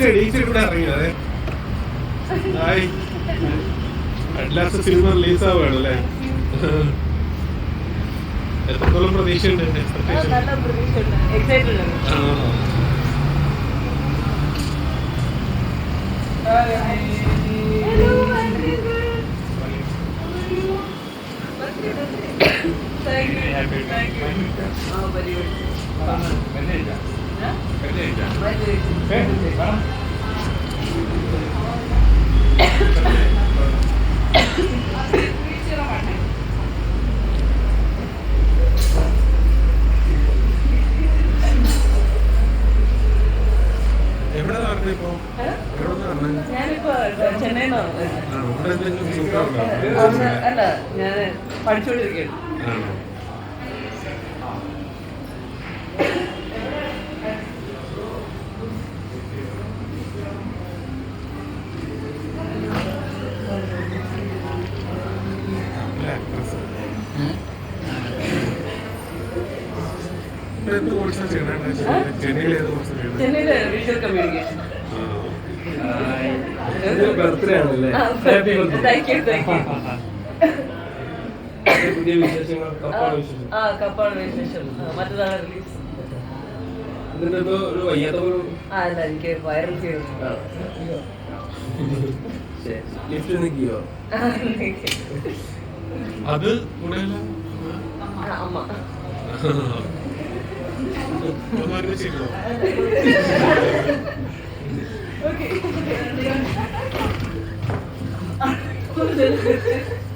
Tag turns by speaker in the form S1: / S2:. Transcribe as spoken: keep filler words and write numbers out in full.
S1: എണീറ്റ് ഇവിടെ ഇറങ്ങിയത് അറ്റ്ലാസ്റ്റ് സിനിമ റിലീസ് ആവുകയാണല്ലേ? എത്രത്തോളം പ്രതീക്ഷയുണ്ട്?
S2: ഞാനിപ്പോ ചെന്നൈന്നാണ്. അല്ല, ഞാൻ പഠിച്ചോണ്ടിരിക്കുകയാണ്. ചെന്നൈയിലെ വിഷ്വൽ കമ്മ്യൂണിക്കേഷൻ.
S3: ബർത്ത്ഡേ ആണല്ലേ? പുതിയ വിശേഷങ്ങൾ
S2: ആ കപ്പാണ് വിശേഷം. മറ്റന്നാണ് റിലീസ്.
S3: എന്നിട്ടിപ്പോ ഒരു വയ്യാത്ത പോലും
S2: ആ അല്ല, എനിക്ക് വൈറൽ ചെയ്തു.
S3: ലിഫ്റ്റ് നിൽക്കുകയോ?
S1: അത്
S2: അമ്മ
S1: ഓക്കെ